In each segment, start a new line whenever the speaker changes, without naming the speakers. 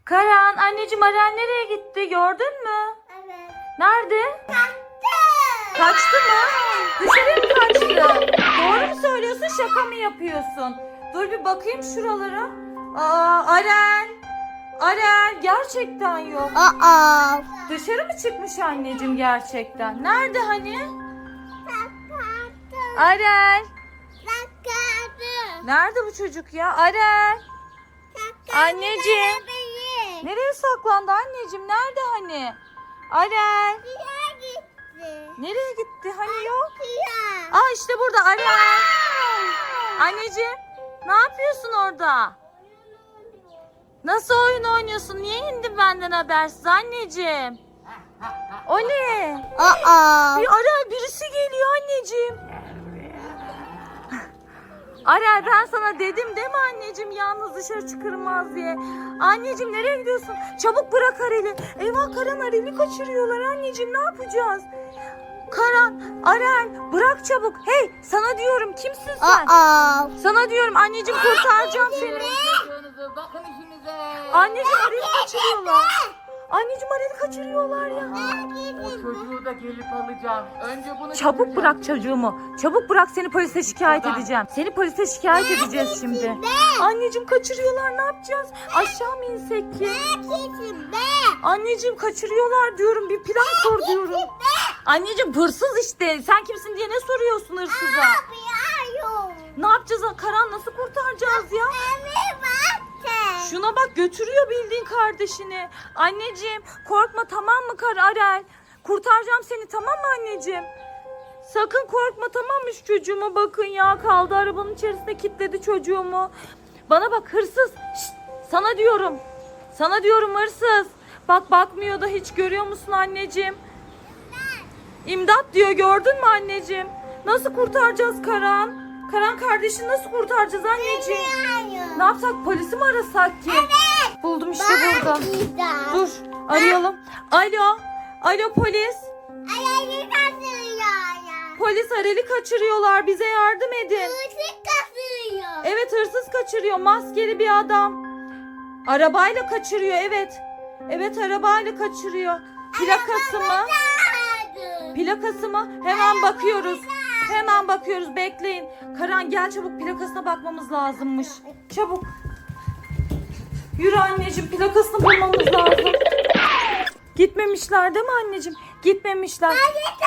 Karan, anneciğim Aren nereye gitti gördün mü?
Evet.
Nerede?
Kaçtı.
Kaçtı mı? Dışarı mı kaçtı? Doğru mu söylüyorsun, şaka mı yapıyorsun? Dur bir bakayım şuralara. Aren. Aren gerçekten yok.
Aa.
Dışarı mı çıkmış anneciğim gerçekten? Nerede hani?
Kaçtı.
Aren.
Kaçtı.
Nerede bu çocuk ya? Aren. Anneciğim. Nereye saklandı anneciğim? Nerede hani? Aren. Nereye gitti? Hani yok. Aa işte burada Aren. Anneciğim ne yapıyorsun orada? Nasıl oyun oynuyorsun? Niye indin benden habersiz anneciğim? O ne?
Aa.
Aren birisi geliyor anneciğim. Aren ben sana dedim değil mi anneciğim yalnız dışarı çıkılmaz diye. Anneciğim nereye gidiyorsun? Çabuk bırak Arel'i. Eyvah Karan Arel'i kaçırıyorlar anneciğim ne yapacağız? Karan, Aren bırak çabuk. Hey sana diyorum kimsin sen?
Aa.
Sana diyorum anneciğim kurtaracağım seni.
Bakın işinize.
Anneciğim Arel'i kaçırıyorlar. Anneciğim Arel'i kaçırıyorlar ya.
O çocuğu da gelip alacağım. Önce bunu
Çabuk
getireceğim.
bırak çocuğumu. Çabuk bırak seni polise şikayet edeceğim. Seni polise şikayet edeceğiz şimdi. Anneciğim kaçırıyorlar ne yapacağız? Aşağı mı insek ki? Anneciğim kaçırıyorlar diyorum bir plan kur diyorum. Anneciğim hırsız işte. Sen kimsin diye ne soruyorsun hırsıza? Ne yapacağız? Karan nasıl kurtaracağız ya? Şuna bak götürüyor bildiğin kardeşini. Anneciğim korkma tamam mı Arel? Kurtaracağım seni tamam mı anneciğim? Sakın korkma tamam mı şu çocuğuma bakın ya. Kaldı arabanın içerisinde kilitledi çocuğumu. Bana bak hırsız. Şşt, sana diyorum. Sana diyorum hırsız. Bak bakmıyor da hiç görüyor musun anneciğim? İmdat diyor gördün mü anneciğim? Nasıl kurtaracağız Karan? Karan kardeşini nasıl kurtaracağız anneciğim? Ne yapsak polisi mi arasak ki? Buldum işte burada. Dur arayalım. Alo. Alo polis. Polis Arel'i kaçırıyorlar. Bize yardım edin. Evet hırsız kaçırıyor. Maskeli bir adam. Arabayla kaçırıyor evet. Evet arabayla kaçırıyor. Plakası mı? Plakası mı? Hemen bakıyoruz. Hemen bakıyoruz bekleyin. Karan gel çabuk plakasına bakmamız lazımmış. Çabuk. Yürü anneciğim plakasını bulmamız lazım. Gitmemişler değil mi anneciğim? Gitmemişler.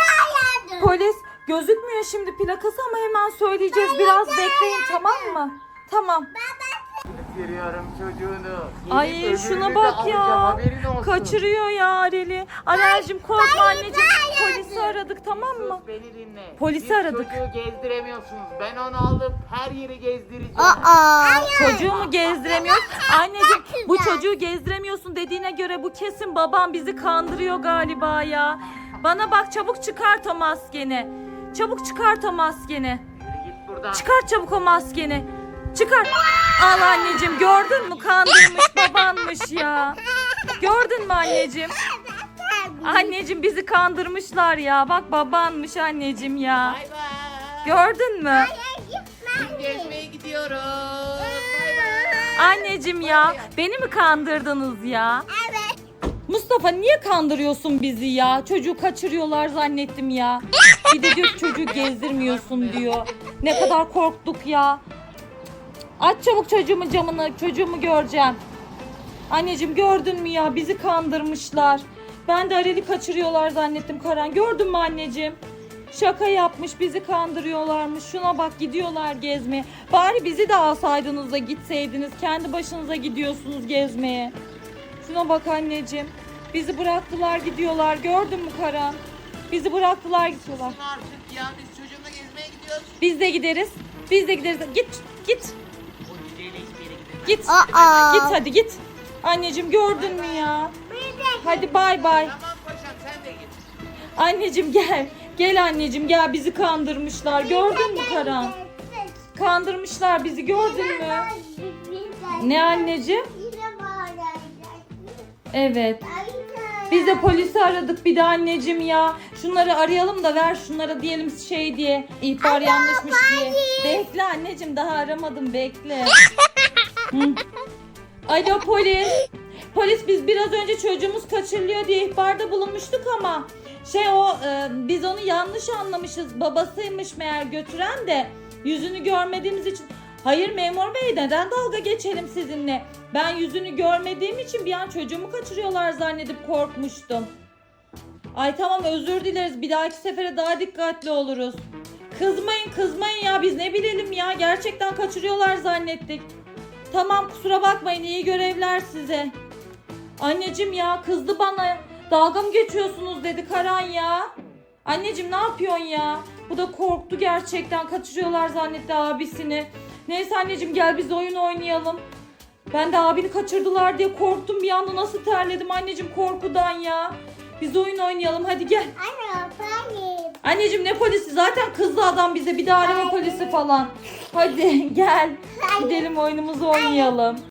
Polis gözükmüyor şimdi plakası ama hemen söyleyeceğiz. Biraz bekleyin tamam mı? Tamam.
Getiriyorum çocuğunu. Gelip
Ay
öbürünü
şuna
de
bak
alacağım,
ya.
haberin olsun.
Kaçırıyor ya Arel'i. Arel'cim korkma anneciğim. Polisi aradık tamam mı?
Sus, beni dinle.
Polisi
Siz
aradık.
çocuğu gezdiremiyorsunuz. Ben onu alıp her yeri gezdireceğim.
Çocuğu mu gezdiremiyoruz? Anneciğim bu çocuğu gezdiremiyorsun dediğine göre bu kesin babam bizi kandırıyor galiba ya. Bana bak çabuk çıkart o maskeni. Çabuk çıkart o maskeni.
Yürü git buradan.
Çıkart çabuk o maskeni. Çıkart. Al anneciğim gördün mü kandırmış babanmış ya. Gördün mü anneciğim? Anneciğim bizi kandırmışlar ya. Bak babanmış anneciğim ya.
Bay bay.
Gördün mü?
Biz gezmeye gidiyoruz. Bay bay.
Anneciğim ya beni mi kandırdınız ya? Mustafa niye kandırıyorsun bizi ya? Çocuğu kaçırıyorlar zannettim ya. Bir de diyor ki çocuğu gezdirmiyorsun diyor. Ne kadar korktuk ya. Aç çabuk çocuğumun camını. Çocuğumu göreceğim. Anneciğim gördün mü ya? Bizi kandırmışlar. Ben de Arel'i kaçırıyorlar zannettim Karan. Gördün mü anneciğim? Şaka yapmış bizi kandırıyorlarmış. Şuna bak gidiyorlar gezmeye. Bari bizi de alsaydınız da gitseydiniz. Kendi başınıza gidiyorsunuz gezmeye. Şuna bak anneciğim. Bizi bıraktılar gidiyorlar. Gördün mü Karan? Bizi bıraktılar gidiyorlar.
Artık ya biz çocuğumla gezmeye gidiyoruz.
Biz de gideriz. Biz de gideriz. Git git.
O cüceyle hiçbir yere gidemez.
Git. Git hadi git. Anneciğim gördün mü ya? Hadi bay bay.
Tamam paşam sen de git.
Anneciğim gel. Gel anneciğim gel bizi kandırmışlar. Gördün mü Karan? Kandırmışlar bizi gördün mü? Ne anneciğim? Evet. Biz de polisi aradık bir de anneciğim ya. Şunları arayalım da ver şunlara diyelim şey diye. İhbar yanlışmış diye. Bekle anneciğim daha aramadım bekle. Hı. Alo polis. polis biz biraz önce çocuğumuz kaçırılıyor diye ihbarda bulunmuştuk ama biz onu yanlış anlamışız. Babasıymış meğer götüren de yüzünü görmediğimiz için. Hayır memur bey, neden dalga geçelim sizinle? Ben yüzünü görmediğim için bir an çocuğumu kaçırıyorlar zannedip korkmuştum. Ay tamam, özür dileriz. Bir dahaki sefere daha dikkatli oluruz. Kızmayın ya, biz ne bilelim ya. Gerçekten kaçırıyorlar zannettik. Tamam, kusura bakmayın, iyi görevler size. Anneciğim ya, kızdı bana. Dalga mı geçiyorsunuz dedi Karan ya. Anneciğim ne yapıyorsun ya? Bu da korktu gerçekten, kaçırıyorlar zannetti abisini. Neyse anneciğim, gel biz oyun oynayalım. Ben de abini kaçırdılar diye korktum bir anda, nasıl terledim anneciğim korkudan ya. Biz oyun oynayalım, hadi gel.
Anne polis.
Anneciğim ne polisi, zaten kızdı adam bize, bir daha arama polisi falan. Hadi gel gidelim oyunumuzu oynayalım.